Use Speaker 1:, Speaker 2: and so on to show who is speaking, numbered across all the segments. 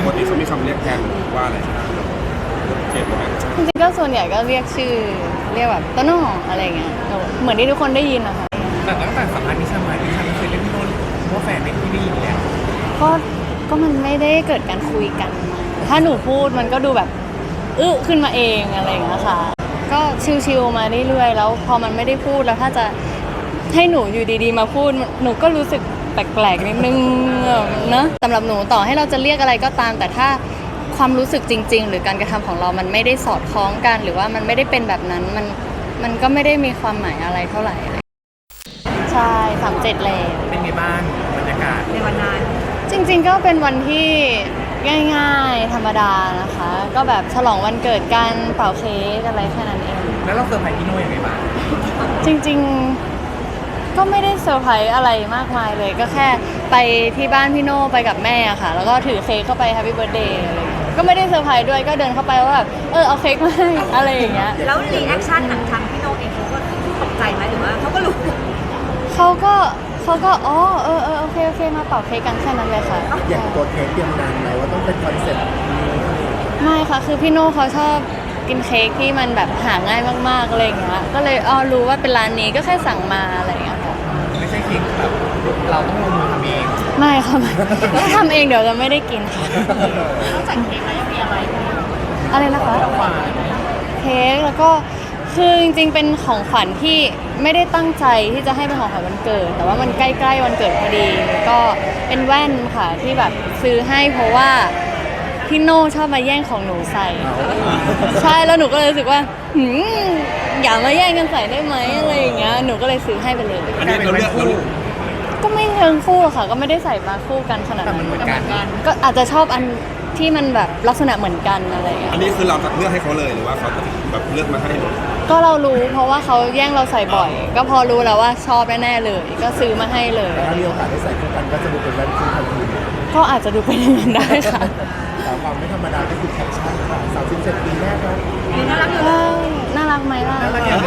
Speaker 1: ปกติเขามีคำเรียกแทนว่าอะไรเก็บไหม
Speaker 2: จริงๆก็ส่วนใหญ่ก็เรียกชื่อเรียกแบบโตโน่อะไรเงี้ยเหมือนที่ทุกคนได้ยินนะคะ
Speaker 3: แต่ตั้งแต่สัมภาษณ์นิชามานิชาไม่เคยเรียกพี่โน้นว่าแฟนในที่ได้ยินแล้ว
Speaker 2: ก็มันไม่ได้เกิดการคุยกันมาถ้าหนูพูดมันก็ดูแบบขึ้นมาเองอะไรอย่างเงี้ยค่ะก็ชิวๆมาเรื่อยๆแล้วพอมันไม่ได้พูดแล้วถ้าจะให้หนูอยู่ดีๆมาพูดหนูก็รู้สึกแปลกๆนิดนึงเนอะสำหรับหนูต่อให้เราจะเรียกอะไรก็ตามแต่ถ้าความรู้สึกจริงๆหรือการกระทำของเรามันไม่ได้สอดคล้องกันหรือว่ามันไม่ได้เป็นแบบนั้นมันก็ไม่ได้มีความหมายอะไรเท่าไหร่ใช่37แล้ว
Speaker 3: เป็นไงบ้างบรรยากาศ
Speaker 4: ในวันนั้น
Speaker 2: จริงๆก็เป็นวันที่ง่ายๆธรรมดานะคะก็แบบฉลองวันเกิดกันเป่าเค้กอะไรแค่นั้นเอง
Speaker 3: แล้วเราเซอร์ไพรส์พี่โน้ยังไงบ้าง
Speaker 2: จริงๆก็ไม่ได้เซอร์ไพรส์อะไรมากมายเลยก็แค่ไปที่บ้านพี่โน่ไปกับแม่ค่ะแล้วก็ถือเค้กเข้าไปแฮปปี้เบิร์ธเดย์อะไรก็ไม่ได้เซอร์ไพรส์ด้วยก็เดินเข้าไปว่าแบบเอาเค้กมาให้อะไรอย่างเงี้ย
Speaker 4: แล้วรีแอคชั่นทางพี่โนเองเขาก็ตกใจไหมหรือว่าเขาก็รู้
Speaker 2: เขาก็โอเคมาเป่าเค้กกันแค่นั้นเลยค่ะ
Speaker 5: อย่างตัวเค้กเตรียมนานไหมว่าต้องเป็นคอนเซ็ปต์
Speaker 2: ไม่ค่ะคือพี่โน่เขาชอบกินเค้กที่มันแบบหาง่ายมากๆอะไรอย่างเงี้ยก็เลยรู้ว่าเป็นร้านนี้ก็แค่สั่งมาอะไรอย่างเงี้ยค่ะ
Speaker 3: ไม่ใช่เค้กแบบเราต้องลงมือทำเอง
Speaker 2: ไม่ค่ะถ้าทำเองเดี๋ยวจะไม่ได้กินค่ะ
Speaker 4: นอกจากเค้กแล้วยังมีอะไร
Speaker 2: นะคะเค้กแล้วก็คือจริงๆเป็นของขวัญที่ไม่ได้ตั้งใจที่จะให้เป็นของขวัญวันเกิดแต่ว่ามันใกล้ๆวันเกิดพอดีก็เป็นแว่นค่ะที่แบบซื้อให้เพราะว่าพี่โน่ชอบมาแย่งของหนูใส่ใช่แล้วหนูก็เลยรู้สึกว่าอย่ามาแย่งกันใส่ได้ไหมอะไรอย่างเงี้ยหนูก็เลยซื้อให้ไปเลย
Speaker 1: อันนี้เราเลือก
Speaker 2: ก็ไม่เชิงคู่ค่ะก็ไม่ได้ใส่มาคู่กันขนาดนั้นก็อาจจะชอบอันที่มันแบบลักษณะเหมือนกันอะไรอย่างเงี้ย
Speaker 1: อันนี้คือเราเลือกให้เขาเลยหรือว่าเขาแบบเลือกมาให้
Speaker 2: ก็เรารู้เพราะว่าเขาแย่งเราใส่บ่อยก็พอรู้แล้วว่าชอบแน่ๆเลยก็ซื้อมาให้เลย
Speaker 5: ถ้ามีโอกาสได้ใส่คู่กันก็จะดูเป็นแว่นคู่ทันที
Speaker 2: ก็อาจจะดูเป็นอย่างนั้นได้ค่ะ
Speaker 5: แต่ความไม่ธรรมดาก็คือแคปชั่นค่ะ37 ปีแรกครับ
Speaker 4: น่ารักอยู่
Speaker 2: น่ารักไหมล่ะ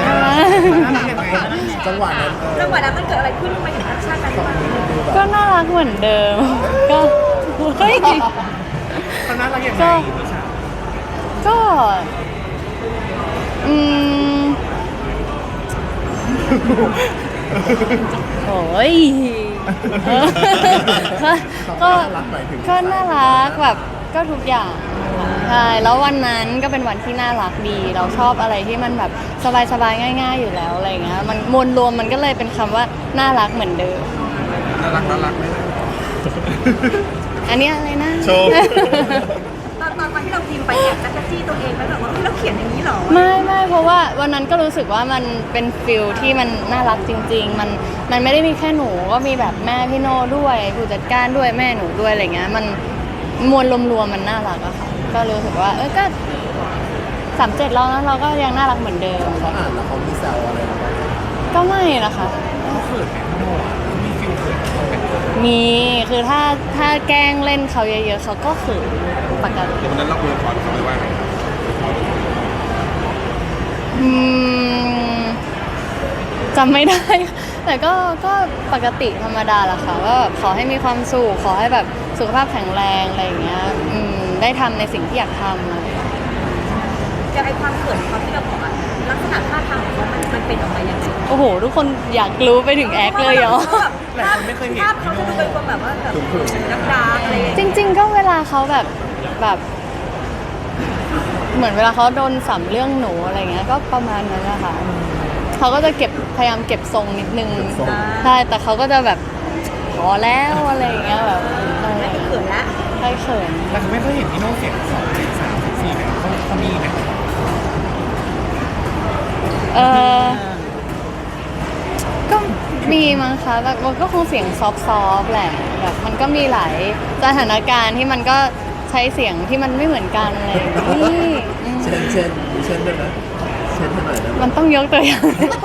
Speaker 5: จังหวะนั้น
Speaker 4: มันเกิดอะไรขึ้นทำไมถึงแอคชั่นนั้น
Speaker 2: ก็น่ารักเหมือนเดิมก็เฮ้ย
Speaker 3: เขาน่ารักยังไง
Speaker 2: ก็โอ้ยก็น่ารักแบบก็ทุกอย่างใช่แล้ววันนั้นก็เป็นวันที่น่ารักดีเราชอบอะไรที่มันแบบสบายๆง่ายๆอยู่แล้วอะไรเงี้ยมันมวลรวมมันก็เลยเป็นคำว่าน่ารักเหมือนเดิม
Speaker 1: น่ารักไหม
Speaker 2: อันนี้อะไรนะ
Speaker 1: โชว์
Speaker 4: ตอนที่เราพิมพ์ไปแอบจักรจี้ตัวเองแล้วแบบว่าเราเขียนอย่างนี้หรอ
Speaker 2: ไม่เพราะว่าวันนั้นก็รู้สึกว่ามันเป็นฟิลที่มันน่ารักจริงๆมันไม่ได้มีแค่หนูก็มีแบบแม่พี่โน่ด้วยผู้จัดการด้วยแม่หนูด้วยอะไรเงี้ยมันมวลรวมๆมันน่ารักอะค่ะก็รู้สึกว่าก็37แล้วนะเราก็ยังน่ารักเหมือนเดิม
Speaker 5: เขาอ่านแล้วเขามีแซวอะไรบ้าง
Speaker 2: ก็ไม่นะคะ
Speaker 3: เขาเขินไหมพี่โน่มีฟิลเขิน
Speaker 2: มีคือถ้าแกล้งเล่นเขาเยอะๆเขาก็เขินปกติ
Speaker 1: วันนั้นเราคุยกับเขาไปว่าไง
Speaker 2: จำไม่ได้แต่ก็ปกติธรรมดาแหละค่ะว่าแบบขอให้มีความสุขขอให้แบบสุขภาพแข็งแรงอะไรอย่างเงี้ยได้ทำในสิ่งที่อยากทำอะไร
Speaker 4: จะไอความเขินเขาที่เราบอกอะลักษณะท่าทางของเขามันเป็นออกมาอย่างไร
Speaker 2: โอ้โหทุกคนอยากรู้ไปถึงแอคเลยเหรอ
Speaker 3: หลายคนไม่เคยเห็น
Speaker 4: ภาพเขาจะดูเป็นคนแบบว่าแบบดาร์กอะไร
Speaker 2: จริงๆก็เวลาเขาแบบเหมือนเวลาเขาโดนสัมเรื่องหนูอะไรเงี้ยก็ประมาณนั้นแหละค่ะเขาก็จะพยายามเก็บทรงนิดนึงใช่แต่เขาก็จะแบบพอแล้วอะไรอย่างเงี้ยแบบ
Speaker 4: ไม่เขินละ
Speaker 2: ไม่เขิน
Speaker 3: แต่เขาไม่เคยเห็นพี่โน้เสียง2 เสียง3 เสียง4เนี่ยเขามีไหม
Speaker 2: ก็มีมั้งคะแบบมันก็คงเสียงซอฟๆแหละแบบมันก็มีหลายสถานการณ์ที่มันก็ใช้เสียงที่มันไม่เหมือนกันอะไรอย่างนี้
Speaker 5: เช่นด้วยนะเช่นเท่าไหร่นะ
Speaker 2: มันต้องยกตัวอย่าง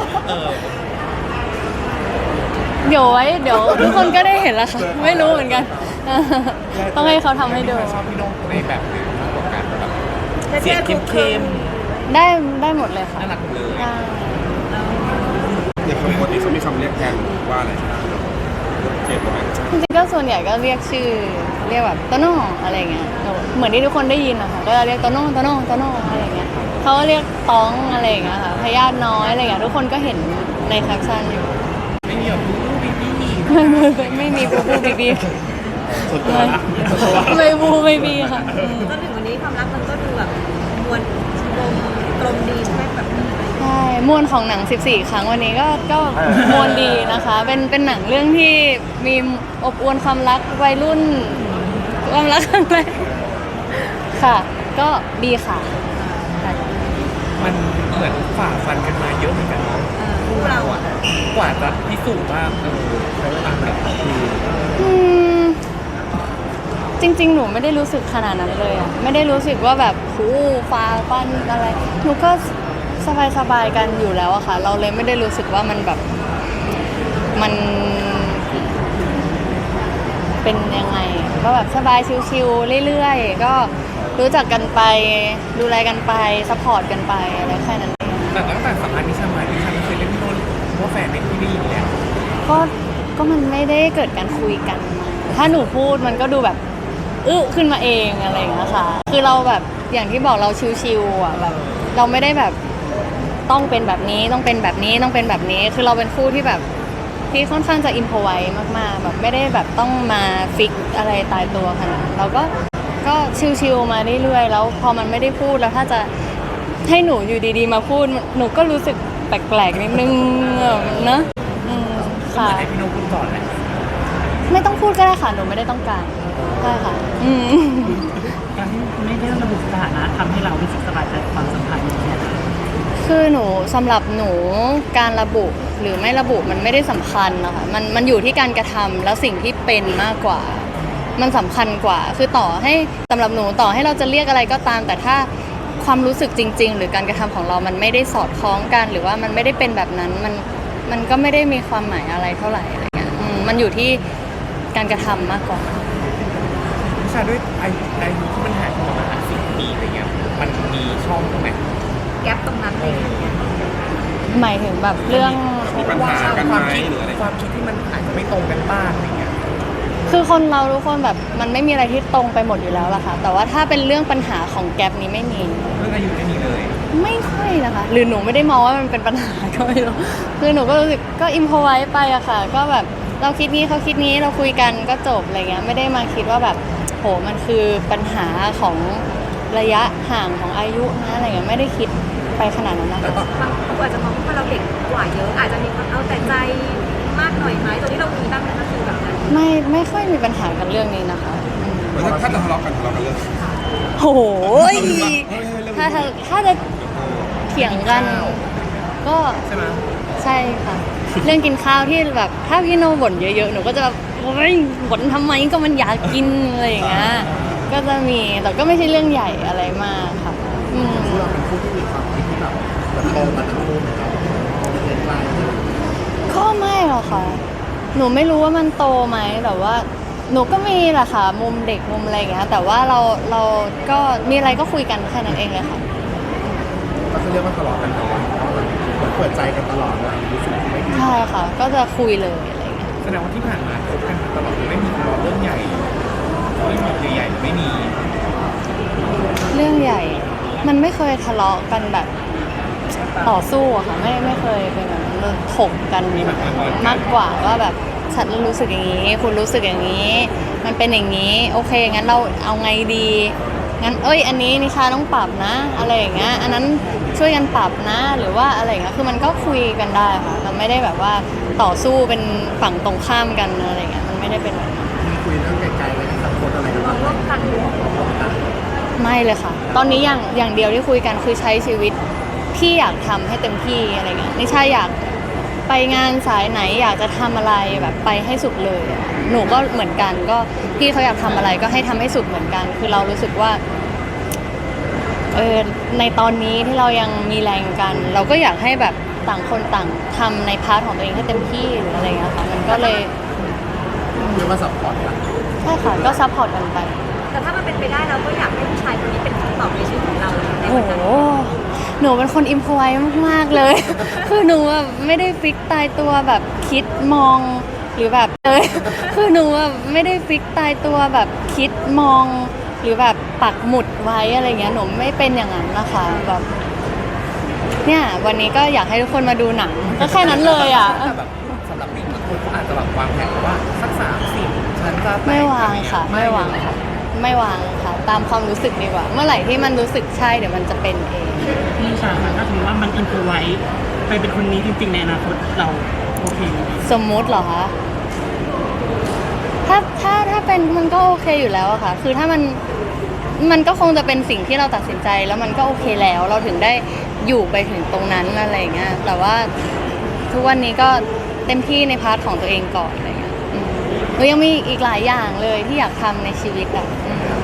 Speaker 2: เดี๋ยวทุกคนก็ได้เห็นแล้วค่ะไม่รู้เหมือนกันต้องให้เขาทำให้ดู
Speaker 3: ชอบพี่โน้ในแบบไหนมากกว่ากันแบบเสียงเข้ม
Speaker 2: ได้หมดเลยค่ะ
Speaker 3: น่ารักเลย
Speaker 1: อย่างปกติเขามีคำเรียกแทนว่าอะไรเก็บไหม
Speaker 2: จริงๆก็ส่วนใหญ่ก็เรียกชื่อเรียกแบบโตโน่อะไรเงี้ยเหมือนที่ทุกคนได้ยินนะคะก็จะเรียกโตโน่โตโน่โตโน่อะไรเงี้ยเขาก็เรียกต้องอะไรเงี้ยค่ะพยาธิน้อยอะไรเงี้ยทุกคนก็เห็นในแคปชั่นอยู่
Speaker 3: ไม่มีแบบบู๊บีบี้
Speaker 2: ไม่มีบูบูบีบี
Speaker 5: ส่วนตัวนะ
Speaker 2: ไม่บูไม่บีค่ะ
Speaker 4: จนถึงวันนี้ความรักมันก็ดูแบบมวลกลมดีใช่ไหมแบบ
Speaker 2: ใช่มวลของหนัง 14 ครั้งวันนี้ก็มวลดีนะคะ เป็นหนังเรื่องที่มีอบอวลความรักวัยรุ่นความรักครั้งแรกค่ะ ก็ดีค่ะ
Speaker 3: มันเหมือนฝ่าฟันกันมาเยอะเหมือนกันเนาะ
Speaker 4: คู่เราอ่ะ
Speaker 3: กว่าจะพิสูจน์ว่าใช้เวลาแบบ
Speaker 2: อืมจริงๆ หนูไม่ได้รู้สึกขนาดนั้นเลยอะไม่ได้รู้สึกว่าแบบหูฟ้าฟันอะไร หนูก็สบายๆกันอยู่แล้วอะค่ะ เราเลยไม่ได้รู้สึกว่ามันแบบมันเป็นยังไง ก็แบบสบายชิวๆเรื่อยๆ ก็รู้จักกันไปดูแลกันไปซัพพอร์ตกันไปอะไรแค่นั้นเอง
Speaker 3: แต่ตั้งแต่สัมภาษณ์นิชามานิชาไม่เคยเรียกพี่โน้นว่าแฟนในที่นี่อยู่แล้ว
Speaker 2: ก็มันไม่ได้เกิดการคุยกันมาถ้าหนูพูดมันก็ดูแบบขึ้นมาเองอะไรอย่างเงี้ยค่ะ คือเราแบบอย่างที่บอกเราชิวๆอ่ะแบบเราไม่ได้แบบต้องเป็นแบบนี้ต้องเป็นแบบนี้ต้องเป็นแบบนี้ คือเราเป็นคู่ที่แบบที่ค่อนข้างจะอิมพอไว้มากๆแบบไม่ได้แบบต้องมาฟิกอะไรตายตัวขนาดนั้นเราก็ชิวๆมาเรื่อยๆแล้วพอมันไม่ได้พูดแล้วถ้าจะให้หนูอยู่ดีๆมาพูดหนูก็รู้สึกแปลกๆนิดนึงเนอะค่ะ
Speaker 3: ให้พี่โน้นพูดก่อนแหละ
Speaker 2: ไม่ต้องพูดก็ได้ค่ะ หนูไม่ได้ต้องการใช่ค่ะ
Speaker 6: การที่ไม่ได้ระบุสถานะทำให้เรารู้สึกสบายใจกับความสัมพันธ์นี้
Speaker 2: คือหนูสำหรับหนูการระบุหรือไม่ระบุมันไม่ได้สำคัญนะคะมันอยู่ที่การกระทำแล้วสิ่งที่เป็นมากกว่า มันสำคัญกว่า คือต่อให้สำหรับหนูต่อให้เราจะเรียกอะไรก็ตาม แต่ถ้าความรู้สึกจริง ๆ หรือการกระทำของเรามันไม่ได้สอดคล้องกันหรือว่ามันไม่ได้เป็นแบบนั้นมันก็ไม่ได้มีความหมายอะไรเท่าไหร่อะไรเงี้ยมันอยู่ที่การกระทำมากกว่า
Speaker 3: นิชาด้วยอายุที่มันห่างกันประมาณ10 ปีอะไรเงี้ยมันมีช่องตรงไหน
Speaker 4: แก๊ปตรงนั้นเลย
Speaker 2: หมายถึงแบบเรื่อง
Speaker 1: มีปัญหากันไหมหรืออะไร
Speaker 3: ความคิดที่มันอาจจะไม่ตรงกันบ้างอะไรเงี้ย
Speaker 2: คือคนเราทุกคนแบบมันไม่มีอะไรที่ตรงไปหมดอยู่แล้วล่ะค่ะแต่ว่าถ้าเป็นเรื่องปัญหาของแก๊ปนี้ไม่มี
Speaker 3: เรื่องอายุไม่มีเลย
Speaker 2: ไม่ค่อยนะคะ หรือหนูไม่ได้มองว่ามันเป็นปัญหาก็ไม่รู้คือหนูก็รู้สึกก็อิมพอไว้ไปอะค่ะ ก็แบบเราคิดนี้เขาคิดนี้เราคุยกันก็จบอะไรเงี้ยไม่ได้มาคิดว่าแบบโหมันคือปัญหาของระยะห่างของอายุนะอะไรเงี้ยไม่ได้คิดไปขนาดนั้นนะคะ
Speaker 4: บางคนอาจจะมองว่าเราเด็กกว่าเยอะ อาจจะมีความเอาแต่ใจมากหน่อยไหมตรงนี้เรามีบ้างไหมก็คือแบบนั้น
Speaker 2: ไม่ค่อยมีปัญหากันเรื่องนี้นะคะอืม
Speaker 1: ถ้าจะทะเลาะกันเรื่อง
Speaker 2: โอ้โหถ้าจะเถียงกัน ก็
Speaker 3: ใช่ไหม
Speaker 2: ใช่ค่ะ เรื่องกินข้าวที่แบบถ้าพี่โนบ่นเยอะๆหนูก็จะแบบโอ๊ยบ่นทำไมก็มันอยากกินอะไรอย่างเงี้ยก็จะมีแต่ก็ไม่ใช่เรื่องใหญ่อะไรมากค่ะอืม
Speaker 5: เราเป็นคู่ที่มีความคิดที่แบบตรงกันทั้งคู่นะครับเป็นกลาง
Speaker 2: ก็ไม่หรอกค่ะ หนูไม่รู้ว่ามันโตไหมแต่ว่า หนูก็มีแหละค่ะมุมเด็กมุมอะไรอย่างเงี้ยแต่ว่าเราก็มีอะไรก็คุยกันแค่นั้นเองเลยค่ะ
Speaker 5: ก็คือเรียกว่าทะเลาะกันแต่ว่าเหมือนเปิดใจกันตลอดเลยรู้สึกไม่ดี
Speaker 2: ใช่ค่ะ ก็จะคุยเลยอะไรอย่างเงี้ย
Speaker 3: แสดงว่าที่ผ่านมาคบกันมาตลอดไม่มีทะเลาะเรื่องใหญ่ไม่มีใหญ่ๆไม่มี
Speaker 2: เรื่องใหญ่ มันไม่เคยทะเลาะกันแบบต่อสู้อะค่ะไม่เคยเป็นแบบนั้นเลยถกกันมากกว่าว่าแบบฉันรู้สึกอย่างนี้ คุณรู้สึกอย่างนี้ มันเป็นอย่างนี้ โอเคงั้นเราเอาไงดีงั้นอันนี้นิชาต้องปรับนะ อะไรอย่างเงี้ยอันนั้นช่วยกันปรับนะ หรือว่าอะไรอย่างเงี้ยคือมันก็คุยกันได้ค่ะมันไม่ได้แบบว่าต่อสู้เป็นฝั่งตรงข้ามกันอะไรอย่างเงี้ยมันไม่ได้เป็นแบบนั้น
Speaker 5: มีคุยเรื่องไกลๆเลยสังคมอะไรกัน
Speaker 4: มอ
Speaker 5: บ้าง ง
Speaker 4: ร่วมกัน
Speaker 2: ไม่เลยค่ะ ตอนนี้อย่างเดียวที่คุยกันคือใช้ชีวิตที่อยากทำให้เต็มที่อะไรเงี้ยนิชาอยากไปงานสายไหนอยากจะทำอะไรแบบไปให้สุดเลยอะหนูก็เหมือนกันก็พี่เขาอยากทำอะไรก็ให้ทำให้สุดเหมือนกัน คือเรารู้สึกว่าในตอนนี้ที่เรายังมีแรงกัน เราก็อยากให้แบบต่างคนต่างทำในพาร์ทของตัวเองให้เต็มที่หรืออะไรเงี้ยค่ะมันก็เลย
Speaker 5: เรียกว่าซัพพอร์ตกัน
Speaker 2: ใช่ค่ะก็ซัพพอร์ตกันไป
Speaker 4: แต่ถ้ามันเป็นไปได้เราก็อยากให้ผู้ชายคนนี้เป็นคำตอบในชีวิตของเราใน
Speaker 2: โอ้
Speaker 4: วัน
Speaker 2: โห
Speaker 4: นั้น
Speaker 2: หนูเป็นคนอิมพอไว้มากๆเลย คือหนูแบบไม่ได้ฟิกตายตัวแบบคิดมองหรือแบบคือหนูแบบไม่ได้ฟิกตายตัวแบบคิดมองหรือแบบปักหมุดไว้อะไรเงี้ยหนูไม่เป็นอย่างนั้นนะคะแบบเนี่ยวันนี้ก็อยากให้ทุกคนมาดูหนังก็แค่นั้นเลยอ่ะ
Speaker 3: แต่แบบสำหรับเด็กบางคนเขาอาจจะแบบวางแผนว่าสัก30ฉันจะแต่
Speaker 2: ไม่วางค่ะ ไม่วาง
Speaker 3: ค่ะ
Speaker 2: ไม่วางค่ะ ตามความรู้สึกดีกว่า เมื่อไหร่ที่มันรู้สึกใช่เดี๋ยวมันจะเป็นเอง
Speaker 6: พี่นิชาค่ะถ้าถือว่ามันอินโฟไว้ไปเป็นคนนี้จริงๆในอนาคตเราโอเคไหม
Speaker 2: สมมุติเหรอคะถ้าเป็นมันก็โอเคอยู่แล้วอะค่ะ คือถ้ามันก็คงจะเป็นสิ่งที่เราตัดสินใจแล้วมันก็โอเคแล้ว เราถึงได้อยู่ไปถึงตรงนั้นอะไรอย่างเงี้ย แต่ว่าทุกวันนี้ก็เต็มที่ในพาร์ทของตัวเองก่อนอะไรเงี้ยหนูยังมีอีกหลายอย่างเลยที่อยากทำในชีวิตอะ